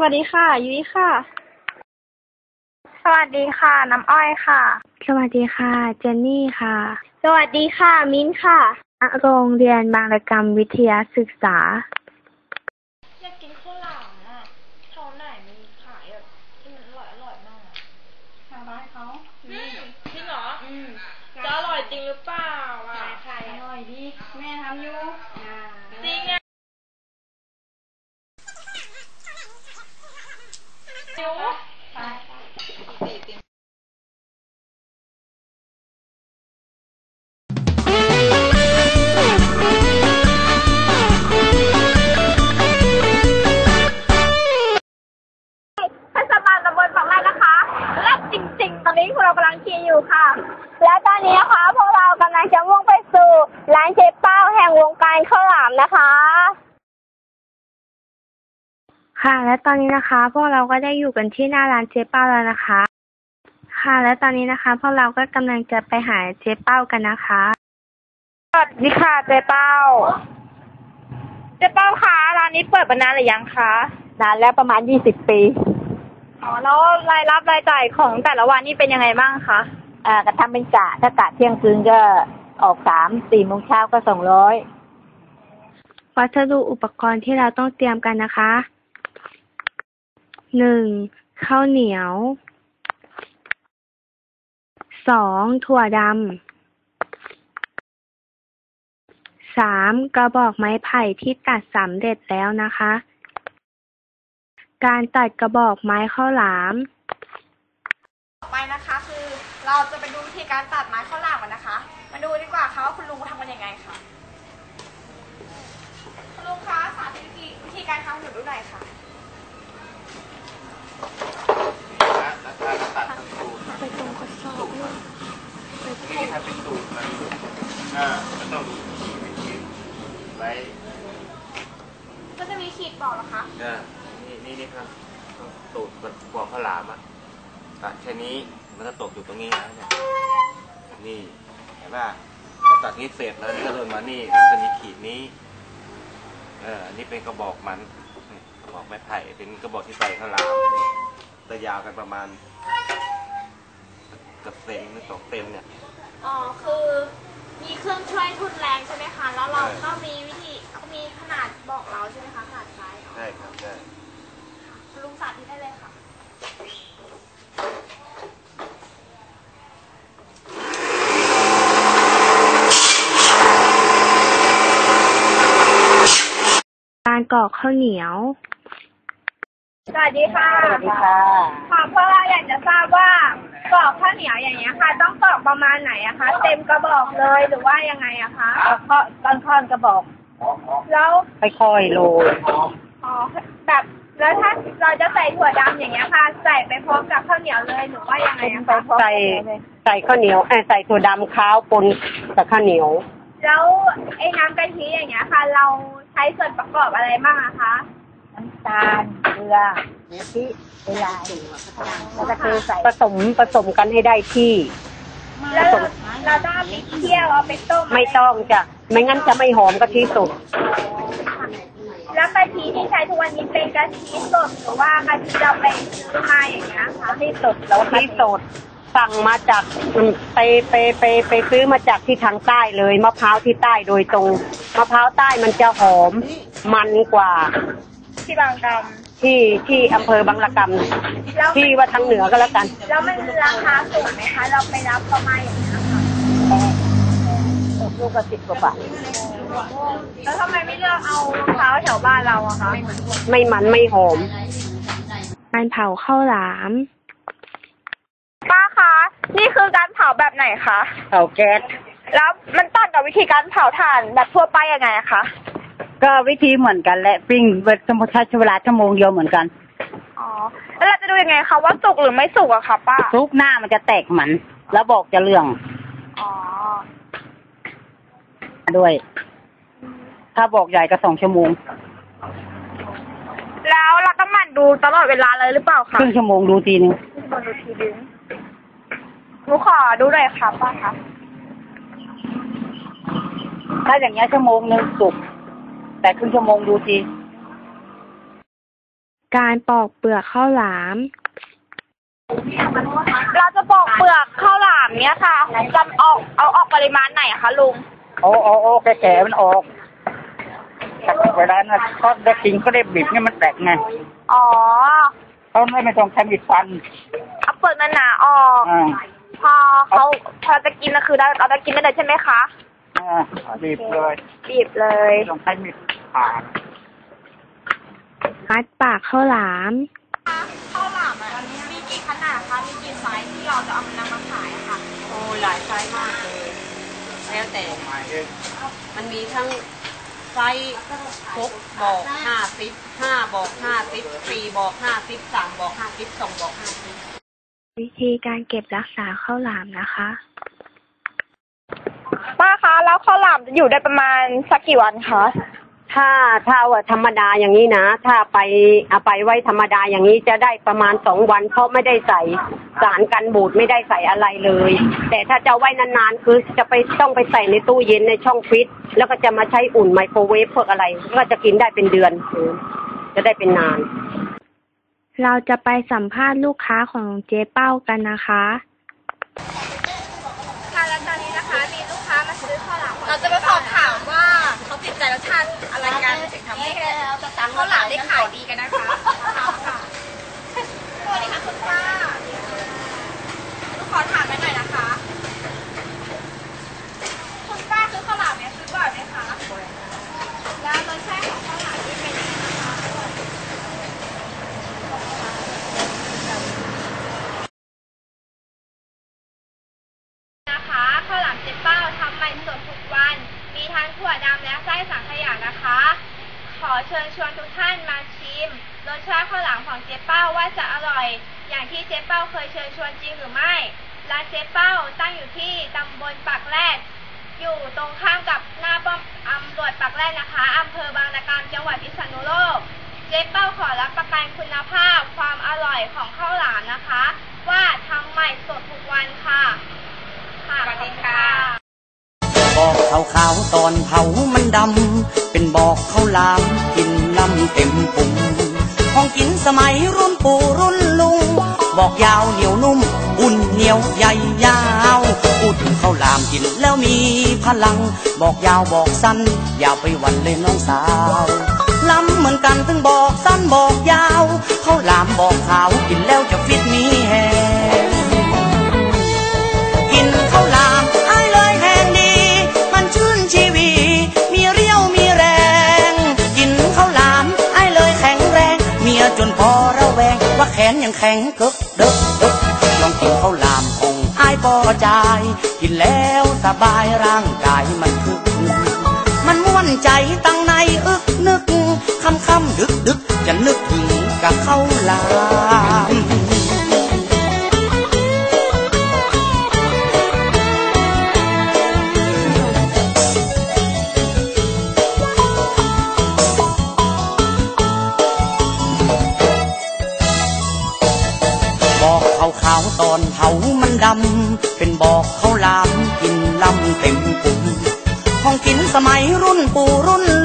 วัสดีค่ะยุ้ยค่ะสวัสดีค่ะน้ำอ้อยค่ะสวัสดีค่ะเจนนี่ค่ะสวัสดีค่ะมิ้นค่ะโรงเรียนบางระกำวิทยาศึกษาอยากกินข้าวหลามอ่ะแถวไหนมีขายแบบที่มันอร่อยมากทางบ้านเขาจริงเหรอจะอร่อยจริงหรือเปล่าอ่ะขายอร่อยดีแม่ทำอยู่จริงอ่ะหิวไปตอนนี้พวกเรากำลังขี่อยู่ค่ะและตอนนี้นะคะพวกเรากำลังจะมุ่งไปสู่ร้านเจ๊เป้าแห่งวงการข้าวหลามนะคะค่ะและตอนนี้นะคะพวกเราก็ได้อยู่กันที่หน้าร้านเจ๊เป้าแล้วนะคะค่ะและตอนนี้นะคะพวกเราก็กำลังจะไปหาเจ๊เป้ากันนะคะสวัสดีค่ะเจ๊เป้าเจ๊เป้าคะร้านนี้เปิดมานานหรือยังคะนานแล้วประมาณ20 ปีแล้วรายรับรายจ่ายของแต่ละวันนี่เป็นยังไงบ้างคะก็ทำเป็นกะถ้ากะเที่ยงคืนก็ออก3-4 โมงเช้าก็200 วัสดุอุปกรณ์ที่เราต้องเตรียมกันนะคะ1ข้าวเหนียว2ถั่วดำ3กระบอกไม้ไผ่ที่ตัดสำเร็จแล้วนะคะการตัดกระบอกไม้ข้าวหลามต่อไปนะคะคือเราจะไปดูวิธีการตัดไม้ข้าวหลามกันนะคะมาดูดีกว่าค่ะว่าคุณลุงทำกันยังไงค่ะคุณลุงคะสาธิตวิธีการทำหนูดูหน่อยค่ะไปตรงกระสอบเลยนี่ถ้าเป็นตูดมันต้องไว้ก็จะมีขีดบอกเหรอคะนี่ครับตูดบอกข้าวหลามตัดแค่นี้มันก็ตกอยู่ตรงนี้แล้วเนี่ยนี่เห็นป่ะพอตัดนี้เสร็จแล้วนี่ก็เดินมานี่จะมีขีดนี้อันนี้เป็นกระบอกมันกระบอกไม้ไผ่เป็นกระบอกที่ใส่ข้าวหลามจะยาวกันประมาณกับเซนหรือ2 เซนเนี่ยคือมีเครื่องช่วยทุนแรงใช่ไหมคะแล้วเราก็มีวิธีมีขนาดบอกเราใช่ไหมคะขนาดไซส์ใช่ครับใช่ลุงสาธิตได้เลยค่ะการกรอกข้าวเหนียวสวัสดีค่ะสวัสดีค่ะเพราะเราอยากจะทราบว่ากรอกข้าวเหนียวอย่างเงี้ยค่ะต้องกรอกประมาณไหนอะคะเต็มกระบอกเลยหรือว่ายังไงอะคะก็ต้นกระบอกแล้วค่อยๆโรยแบบแล้วถ้าเราจะใส่ถั่วดำอย่างเงี้ยค่ะใส่ไปพร้อมกับข้าวเหนียวเลยหรือว่ายังไงอะคะใส่ข้าวเหนียวใส่ถั่วดำข้าวปนกับข้าวเหนียวแล้วไอ้น้ำกะทิอย่างเงี้ยค่ะเราใช้ส่วนประกอบอะไรบ้างอะคะน้ำตาลเกลือกะทิเวลาแล้วก็เทใส่ผสมกันให้ได้ที่แล้วเราต้องเอาไปเคี่ยวเอาไปต้มไม่ต้องจ้ะไม่งั้นจะไม่หอมกะทิสดแล้วกะทิที่ใช้ทุกวันนี้เป็นกะทิสดหรือว่ากะทิเราไปซื้อมาอย่างเงี้ยคะกะทิสดแล้วกะทิสดสั่งมาจากไปซื้อมาจากที่ทางใต้เลยมะพร้าวที่ใต้โดยตรงมะพร้าวใต้มันจะหอมมันกว่าที่บางกำที่อำเภอบางระกำที่ว่าทางเหนือก็แล้วกันแล้วมันราคาสูงไหมคะเราไปรับประมาณอย่างนี้ค่ะลูกละ10 กว่าบาทแล้วทำไมไม่เลือกเอามะพร้าวแถวบ้านเราอะคะไม่มันไม่หอมการเผาข้าวหลามป้าคะนี่คือการเผาแบบไหนคะเผาแก๊สแล้วมันต่างกับวิธีการเผาถ่านแบบทั่วไปยังไงคะก็วิธีเหมือนกันและปิ้งสมมติใช้เวลาชั่วโมงเดียวเหมือนกันแล้วเราจะดูยังไงคะว่าสุกหรือไม่สุกอะคะป้าสุกหน้ามันจะแตกมันแล้วบอกจะเรื่องด้วยถ้าบอกใหญ่ก็2 ชั่วโมงแล้วเราต้องหมั่นดูตลอดเวลาเลยหรือเปล่าคะครึ่งชั่วโมงดูทีนึงหนูขอดูหน่อยค่ะป้าคะถ้าอย่างเงี้ยชั่วโมงนึงสุกแต่ครึ่งชั่วโมงดูทีการปอกเปลือกข้าวหลามเราจะปอกเปลือกข้าวหลามเนี้ยค่ะจะเอาออกปริมาณไหนอะคะลุงเอาแก่ๆมันออกเวลานั้นเขาได้กินก็ได้บีบให้มันแตกไงอ๋อเขาไม่ต้องใช้มีดฟันเอาเปลือกหนาๆออกพอจะกินก็คือเราจะกินได้เลยใช่ไหมคะบีบเลยไม่ต้องใช้มีดผ่ามัดปากข้าวหลามข้าวหลามมีกี่ขนาดคะมีกี่ไซส์ที่เราจะเอานำมาขายค่ะโอ้หลายไซส์มากเลยแล้วแต่มันมีทั้งไซส์6 บอก 50 5 บอก 50 4 บอก 50 3 บอก 50 2 บอก 50 วิธีการเก็บรักษาข้าวหลามนะคะป้าคะแล้วข้าวหลามจะอยู่ได้ประมาณสักกี่วันคะถ้าว่าธรรมดาอย่างนี้นะถ้าเอาไปไว้ธรรมดาอย่างนี้จะได้ประมาณ2 วันเพราะไม่ได้ใส่สารกันบูดไม่ได้ใส่อะไรเลยแต่ถ้าจะไว้นานๆคือจะต้องไปใส่ในตู้เย็นในช่องฟรีซแล้วก็จะมาใช้อุ่นไมโครเวฟพวกอะไรก็จะกินได้เป็นเดือนจะได้เป็นนานเราจะไปสัมภาษณ์ลูกค้าของเจ๊เป้ากันนะคะค่ะแล้วตอนนี้นะคะมีลูกค้ามาซื้อข้าวหลามเราจะมาสอบถามว่าเขาติดใจรสชาติอะไรกันถึงทำให้ข้าวหลามได้ขายดีกันนะคะสวัสดีค่ะคุณป้าลูกขอถามหน่อยนะคะคุณป้าซื้อข้าวหลามเนี่ยซื้อบ่อยไหมคะแล้วรสชาติของข้าวหลามนี่เป็นยังไงคะข้าวหลามเจ๊เป้าทำใหม่สดทุกวันมีทั้งถั่วดำและไส้สังขยานะคะขอเชิญชวนทุกท่านมาชิมรสชาติข้าวหลามของเจ๊เป้าว่าจะอร่อยอย่างที่เจ๊เป้าเคยเชิญชวนจริงหรือไม่ร้านเจ๊เป้าตั้งอยู่ที่ตำบลปากแรดอยู่ตรงข้ามกับหน้าป้อมตำรวจปากแรดนะคะอำเภอบางระกำจังหวัดพิษณุโลกเจ๊เป้าขอรับประกันคุณภาพความอร่อยของข้าวหลามนะคะว่าทำใหม่สดทุกวันค่ะสวัสดีค่ะบอกขาวๆตอนเผามันดำเป็นบอกข้าวหลามกินล้ำเต็มปุงของกินสมัยรุ่นปู่รุ่นลุงบอกยาวเหนียวนุ่มอุ่นเหนียวใหญ่ยาวอุดข้าวหลามกินแล้วมีพลังบอกยาวบอกสั้นอย่าไปหวั่นเลยน้องสาวล้ำเหมือนกันถึงบอกสั้นบอกยาวข้าวหลามบอกขาวกินแล้วจะฟิตมีแฮงกินข้าวหลามอ้ายเลยแหงดีมันชื่นชีวีมีเรี่ยวมีแรงกินข้าวหลามอ้ายเลยแข็งแรงเมียจนพอระแวงว่าแขนยังแข็งเดึกลองกินข้าวหลามของอ้ายพอใจกินแล้วสบายร่างกายมันคึกมันม่วนใจตั้งในอึกนึกค่ำดึกจะนึกถึงกับข้าวหลามขาวๆตอนเผามันดำเป็นบอกข้าวหลามกินล้ำเต็มปุ่มของกินสมัยรุ่นปู่รุ่น